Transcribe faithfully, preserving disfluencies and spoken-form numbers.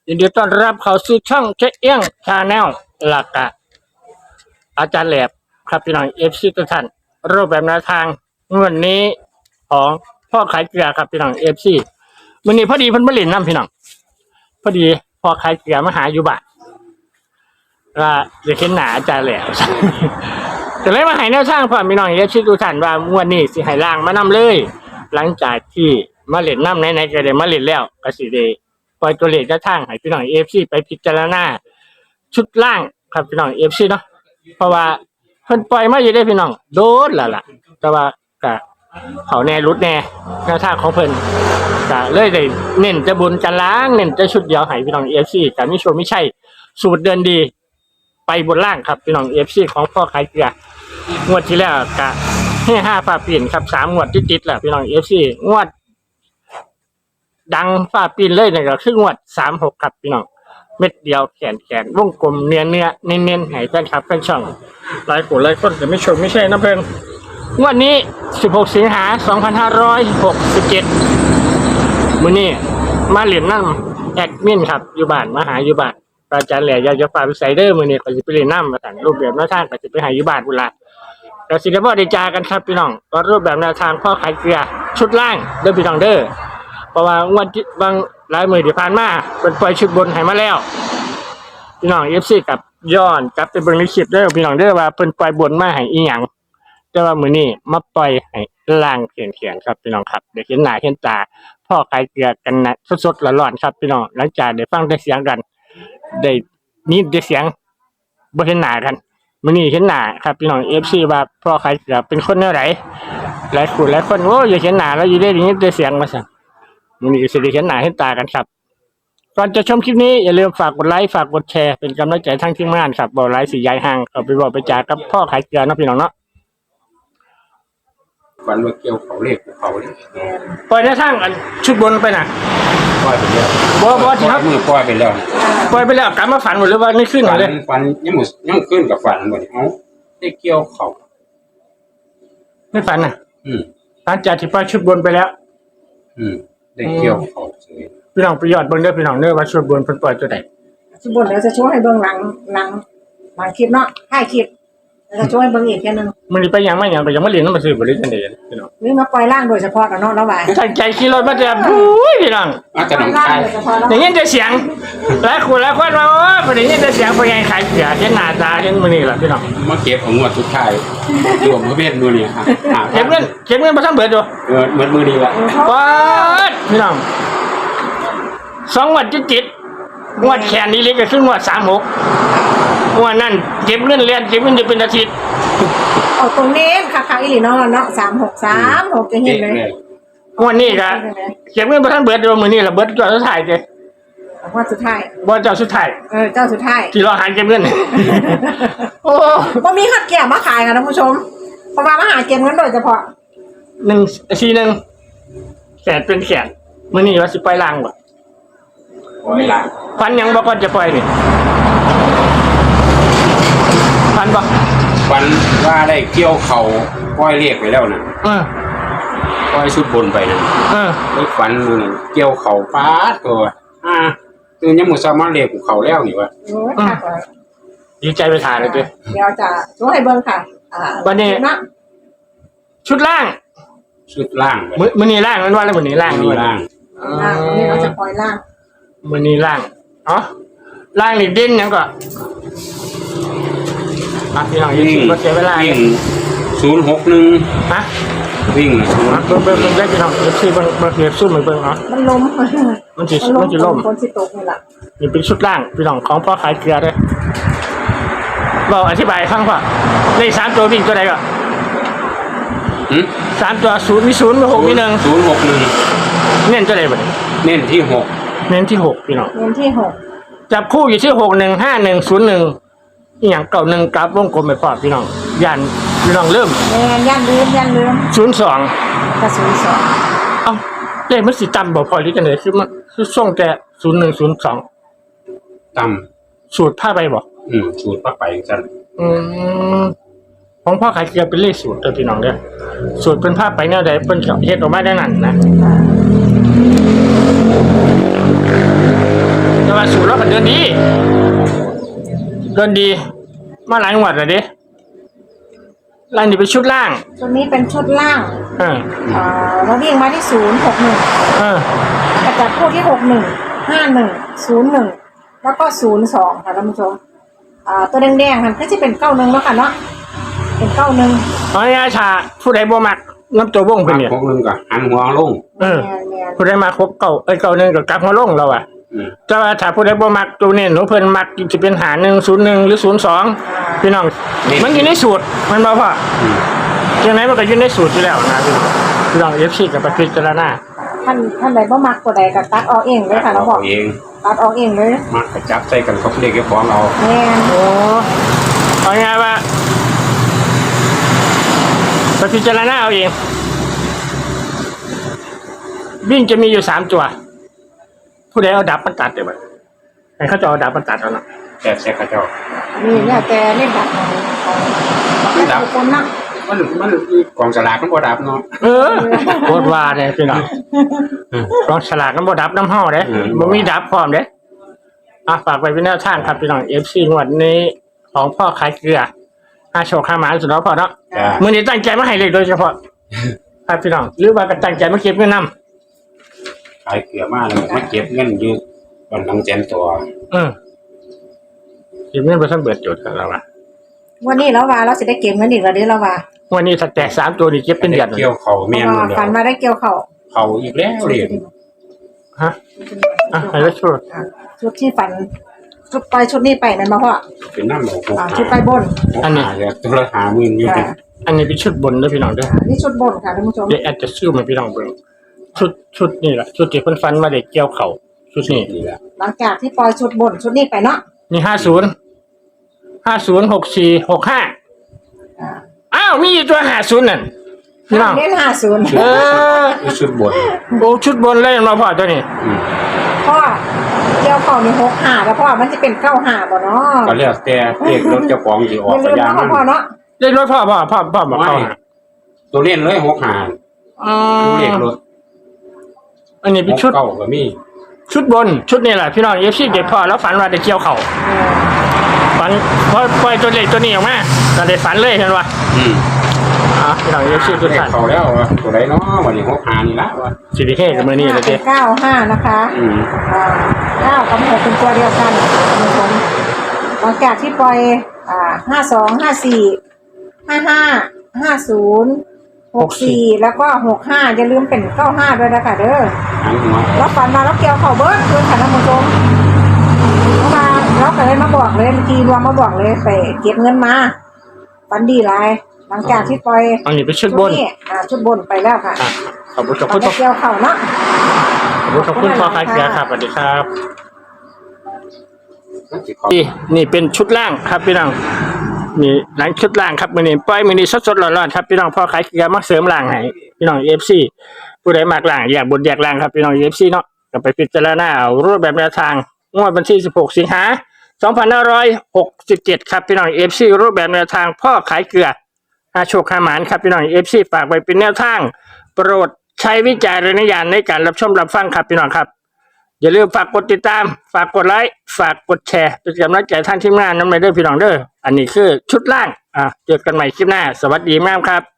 ยินดีต้อนรับเข้าสู่ช่องเจ๊เอี้ยงชาแนลหลักอะอาจารย์แหลบครับพี่น้องเอฟซีทุกท่านรูปแบบแนวทางงวดนี้ของพ่อขายเกลือครับพี่น้องเอฟซีวันนี้พอดีเพิ่นมาเล่นน้ำพี่น้องพอดีพ่อขายเกลือมาหาอยู่บ้านว่าจะเห็นหน้าอาจารย์แหลบ จะเลยมาให้แนวทางพ่อพี่น้องเอฟซีทุกท่านว่างวดนี้สิให้ล่างมานำเลย หลังจากที่มาเล่นน้ำไหนๆก็ได้มาเล่นแล้วก็สิได้ปล่อยตัวเลขแนวทางให้พี่น้องเอฟซีไปพิจารณาชุดล่างครับพี่น้องเอฟซีเนาะเพราะว่าเพิ่นปล่อยมาอยู่ได้พี่น้องโดนแล้วล่ะแต่ว่าก็เขาแน่รุดแน่แนวทางของเพิ่นก็เลยได้เน้นจะบุญจะล้างเน้นจะชุดเดียวให้พี่น้องเอฟซีก็มีโชว์ไม่ใช่สูตรเดินดีไปบนล่างครับพี่น้องเอฟซีของพ่อขายเกลืองวดที่แล้วก็ให้ห้าฟ้าปีนครับสามงวดติดๆแหละพี่น้องเอฟซีงวดดังฟ้าปีนเลยเนี่ยก็คืองวดสามหกครับพี่น้องเม็ดเดียวแขนแขนวงกลมเนื้อเนื้อเน้นเน้นให้แฟนคลับแฟนช่องหลายคนหลายคนแต่ไม่ชมไม่ใช่นะเพิ่นงวดนี้สิบหกสิงหาสองพันห้าร้อยหกสิบเจ็ดมื้อนี้มาเล่นน้ำแอดมินครับอยู่บ้านมาหาอยู่บ้านอาจารย์แหล่อยากจะฝากไซเดอร์มื้อนี้ก็สิไปเล่นน้ำมาสั่งรูปแบบแนวทางก็สิไปหาอยู่บ้านพุ่นล่ะก็สิได้บ่ได้จากันครับพี่น้องก็รูปแบบแนวทางพ่อขายเกลือชุดล่างเด้อพี่น้องเด้อเพราะว่างวดบางหลายมื้อที่ผ่านมาเพิ่นปล่อยชุดบนให้มาแล้วพี่น้อง เอฟ ซี กับย้อนกลับไปเบิ่งในคลิปเด้อพี่น้องเด้อว่าเพิ่นปล่อยบนมาให้อีหยังแต่ว่ามื้อนี้มาปล่อยให้ล่างเขียนๆครับพี่น้องครับได้เห็นหน้าเห็นตาพ่อขายเกลือกันนะสดๆร้อนๆครับพี่น้องหลังจากได้ฟังได้เสียงกันได้ยินได้เสียงบ่เห็นหน้ากันมื้อนี้เห็นหน้าครับพี่น้อง เอฟ ซี ว่าพ่อขายเกลือเป็นคนแนวไหนหลายคนหลายคนโอ้ยอยากเห็นหน้าแล้วอยู่ได้ยินได้เสียงมาซั่นมื้อนี้ก็สิได้เห็นหน้าเห็นตากันครับก่อนจะชมคลิปนี้อย่าลืมฝากกดไลค์ฝากกดแชร์เป็นกำลังใจทั้งทีมงานครับบ่ไลค์สิย้ายห่างเข้าไปบอกไปจากับพ่อขายเกลือเนาะพี่น้องเนาะฝันว่าเกี่ยวเขาเลขภูเขาเลยปล่อยได้ทั้งอันชุดบนไปน่ะปล่อยไปแล้วบ่บ่ที่ครับมือปล่อยไปแล้วปล่อยไปแล้วกลับมาฝันหมดหรือว่านี่ขึ้นหมฝัดนเลยฝันยังหมดยังขึ้นกับฝันหมดเอ้าได้เกี่ยวเขาไม่ฝันน่ะอืมหลังจากที่ปล่อยชุดบนไปแล้วอืมได้เกี่ยวเขาเฉยพี่น้องไปยอดเบิ่งเด้อพี่น้องเด้อว่าชุดบนเพิ่นปล่อยตัวใดชุดบนเดี๋ยวจะช่วยให้เบื้องหลังหลังหลังคลิปเนาะท้ายคลิปแล้วจะช่วยให้เบื้องอีกแค่นึงมื้อนี้ไปหยังมาหยังไปหยังมาเรียนนำมาซื้อบ่ได้จังได๋พี่น้องนี่มาปล่อยล่างโดยเฉพาะกันเนาะแล้วว่าตั้งใจขี่รถมาแต่อุ้ยพี่น้องอาจจะปล่อยน้ำล่างคายโดยเฉพาะเนาะได้ยินแต่เสียงหลายคนหลายคนว่าโอ้ยบ่ได้ยินแต่เสียงพ่อใหญ่ขายเกลือเห็นหน้าตาเห็นมื้อนี้ล่ะพี่น้องมาเก็บของงวดสุดท้ายรวมกับเวทดูนี่ฮะอ่าเก็บเงินเก็บเงินบ่ทันเบิดอยู่เออเหมือนมือดีละป๊าดพี่น้องสองงวดจิตๆงวดแขนนี้เล็กก็คืองวดสามหกงวดนั้นเก็บเงินเรียนเก็บเงินอยู่เป็นอาทิตย์เอาตรงนี้ค่ะค่ะอีหลีเนาะเนาะสามหกสามหกจะเห็นเลยงวดนี้ก็เก็บเงินบ่ทันเบิดอยู่มื้อนี้ล่ะเบิดก่อนสุดท้ายเด้ว่าสุดท้ายบ่เจ้าสุดท้ายเออเจ้าสุดท้ายที่รอหาเก็บเงิน โอ้ว่ามีขัดแก้วมาขายค่ะท่านผู้ชมเพราะว่ามาหาเก็บเงินโดยเฉพาะหนึ่งสี่หนึ่งแขนเป็นแขนมื้อนี้ว่าสิปล่อยล่างบ่ปล่อยละฟันยังบ่ก่อนจะปล่อยนี่ฟันบ่ฝันว่าได้เกี่ยวเขาปล่อยเลขไปแล้วนะเออปล่อยชุดบนไปนะเออไอ้ฝันมือนั้นเกี่ยวเขาฟาดตัวอ่าตื่นยังหมดสามารถเลขภูเขาแล้วนี่วะโอ้ยค่ะดีใจไปถ่ายเลยเด้เดี๋ยวจะช่วยให้เบื้องค่ะอ่าวันนี้นะชุดล่างชุดล่างไปมื้อมื้อนี้ล่างมันว่าแล้วมื้อนี้ล่างมีล่างล่างวันนี้เราจะปล่อยล่างมื้อนี้ล่างอ๋อล่างนี่เด่นหยังก็อ่ะพี่น้องอย่าวิ่งสิบ่เสียเวลาวิ่งศูนย์หกหนึ่งฮะวิ่งนะศูนอ่ะย์เบิ่งเบิ่งเบิ่งได้พี่น้องเอฟซีเบิ่งเบิ่งเอฟซูมเบิ่งเนาะมันล้มมันสิมันสิล่มคนสิตกนี่แหละนี่เป็นชุดล่างพี่น้องของพ่อขายเกลือเด้อบอกอธิบายให้ฟังว่าเลขสามตัววิ่งตัวใดก็หืมสามตัวศูนย์มีศูนย์มีหกมีหนึ่งศูนย์หกหนึ่งเน้นตัวใดบ่เนี่ยเน้นที่หกเน้นที่หกพี่น้องเงินที่หกจับคู่อยู่ที่หกหนึ่งห้าหนึ่งศูนย์หนึ่งอีหยังเก่าหนึ่งกราฟวงกลมไปพอพี่น้องยันพี่น้องเริ่มเงินยันลืมยันลืมศูนย์สองกระสุนสองเอ้าเลขมันสิต่ำบ่พอหรือจังได๋คือมันคือส่งแต่ศูนย์หนึ่งศูนย์สองต่สูตรผ้าไปบ่ำอืมสูตรปักไปจันอืมของพ่อขายเกลือเป็นเลขสูตรเด้อพี่น้องเด้อสูตรเป็นผ้าไปแนวใดเพิ่นก็เฮ็ดออกมาได้นั่นนะแต่ว่าสูตรดีเดินดี มาหลายงวดแล้วดิล่างนี่เป็นชุดล่างชุดนี้เป็นชุดล่างเออเอ่อเราวิ่งมาที่ศูนย์หกหนึ่งเออกระจับคู่ที่หกหนึ่งห้าหนึ่งศูนย์หนึ่งแล้วก็ศูนย์สองค่ะท่านผู้ชมอ่าตัวแดงๆมันก็จะเป็นเก้าหนึ่งแล้วกันเนาะเป็นเก้าหนึ่งเอาง่ายๆชาผู้ใดบ่มักน้ำตัววงเป็นเนี่ยพวกนึงก็หันหัวลงเออแม่นผู้ใดมาครบเก่าเอ้ยเก่าหนึ่งกับกลับมาลงเราอ่ะอืมแต่ว่าถ้าผู้ใดบ่มักตัวเนี่ยหนูเพิ่นมักจะเป็นหาหนึ่งศูนย์หนึ่งหรือศูนย์สองพี่น้องมันอยู่ในสูตรมันบ่พ่ออืมยังไงมันก็อยู่ในสูตรอยู่แล้วนะพี่น้องพี่น้องเอฟซีกับไปพิจารณาๆท่านท่านใดบ่มักตัวใดก็ตัดออกเองเลยค่ะน้องบอกเอาเองตัดออกเองเลยมากระจับใส่กันกับเลขเจ้าของเราแม่นโอ้เอาง่ายๆว่าไปพิจารณาเอาเองวิ่งจะมีอยู่สามตัว ผู้ใดเอาดับมันตัดเดี๋ยวไปให้เขาจะเอาดับมันตัดเอาเนาะแต่แซ่ข้าเจ้านี่เนี่ยแต่เล่นดับของของของแต่ละคนนะมันมันกองสลากมันบ่ดับเนาะเออโคตรว่าเนี่ยพี่น้องลองฉลากน้ำบ่ดับน้ำห่อเด้อืมบ่มีดับพร้อมเด้อ่ะฝากไปเป็นแนวทางครับพี่น้องเอฟซีงวดนี้ของพ่อขายเกลือห้าโชคห้าหมาสุดแล้วพอเนาะจ้ามื้อนี้ตั้งใจมาให้เลขโดยเฉพาะครับพี่น้องหรือว่าก็ตั้งใจมาเก็บเงินนำขายเกลือมาแล้วมาเก็บเงินอยู่วันหลังแสนตัวเออเก็บเงินบ่ทันเบิดจุดแล้วว่าวันนี้แล้วว่าเราสิได้เก็บเงินอีกแล้วเด้อแล้วว่าวันนี้ถ้าแตกสามตัวนี่เก็บเป็นเดือนเลยเกี่ยวเขาเพแม่นราะหมว่าดแล้วฝันมาได้เกี่ยวเข้าเขาอีกแล้วเลยฮะอ่ะให้แล้วช่วยอ่ะชุดที่ฝันชุดไปชุดนี้ไปนั่นมาพ่อเป็นน้ำหมูหกอ่าหาชุดไปบนอันนี้จะตัวละหาหมื่นอยู่ค่ะอันนี้เป็นชุดบนเด้อพี่น้องเด้ออ่านี่ชุดบนค่ะท่านผู้ชมเดี๋ยวแอดจะซื้อมาพี่น้องเบิ่งชุดชุดนี่แหละชุดที่เพิ่นฟันมาได้เกี่ยวเข่าชุดนี้นี่แหละหลังจากที่ปล่อยชุดบนชุดนี้ไปเนาะมีห้าศูนย์ห้าศูนย์หกสี่หกห้าอ่าอ้าวมีอยู่ตัวห้าศูนย์นั่นพี่น้องเน้นห้าศูนย์เออคือชุดบนโอ้ชุดบนเลยมาพ่อตัวนี้อืมพ่อเกี่ยวเข้านี่หกห้าแล้วพ่อมันจะเป็นเก้าห้าบ่เนาะก็แล้วแต่เลขรถเจ้าของสิอออกย่าลืก็มยาเนาะมันพ่อเนาะเรียกรถพ่อพ่อพ่อพ่อบอกเข้าหาตัวเล่นเลยหกหาอ๋อเลขรถอันนี้หเป็นกชุดเก้าก็มีชุดบนชุดนี่แหละพี่น้องเอฟซีเด็กพ่อแล้วฝันว่าได้เกี่ยวเข่าเออฝันพอปล่อยตัวเล็กตัวนี้ออกมาก็ได้ฝันเลยเห็นป่ะอืมอ่ะพี่น้องเอฟซีทุกเลขท่านเขาแล้ววะตัวไหนเนาะวันนี้หกหานี่ละวะสิริเฮกับมือนี่เลยเป็เด้นเก้าห้านะคะอืมอ่าเก้ากับหกเป็นตัวเดียวกันท่านผู้ชมหลังจากที่ปล่อยอ่าห้าสองห้าสี่ห้าห้าห้าศูนย์หกสี่แล้วก็หกห้าอย่าลืมเป็นเก้าห้าด้วยนะคะเด้อหันหัวแล้วฝันมาแล้วเกี่ยวเข่าเบิร์ดคืนค่ะท่านผู้ชมเขามาแล้วก็เลยมาบอกเลยเมื่อกี้รวมมาบอกเลยไปเก็บเงินมาฝันดีหลายหลังจากที่ปล่อยอันนี้เป็นชุดบนอ่าชุดบนไปแล้วค่ะอ่ะขอบคุณขอบตอคุนณนี้เกี่ยวเข่าเนาะขอบคุณพ่อคายเกียร์ครับสวัสดีครับมันสิเขานี่นี่เป็นชุดล่างครับพี่น้องนี่หลังชุดล่างครับมือนี้ปล่อยมือนี้สดๆร้อนๆครับพี่น้องพ่อขายเกียร์มาเสริมล่างให้พี่น้องเอฟซีผู้ใดมากล่างอยากบนอยากล่างครับพี่น้องเอฟซีเนาะก็ไปพิจารณาเอารูปแบบแนวทางงวดวันที่สิบหกสิงหาสองพันห้าร้อยหกสิบเจ็ดครับพี่น้องเอฟซีรูปแบบแนวทางพ่อขายเกลืออาโชคขาหมานครับพี่น้องเอฟซีฝากไว้เป็นแนวทางโปรดใช้วิจารณญาณในการรับชมรับฟังครับพี่น้องครับ อย่าลืมฝากกดติดตาม ฝากกดไลค์ ฝากกดแชร์เป็นกำลังใจท่านทีมงานน้ำในเด้อพี่น้องเด้อ อันนี้คือชุดล่าง อ่ะ เจอกันใหม่คลิปหน้า สวัสดีมากครับ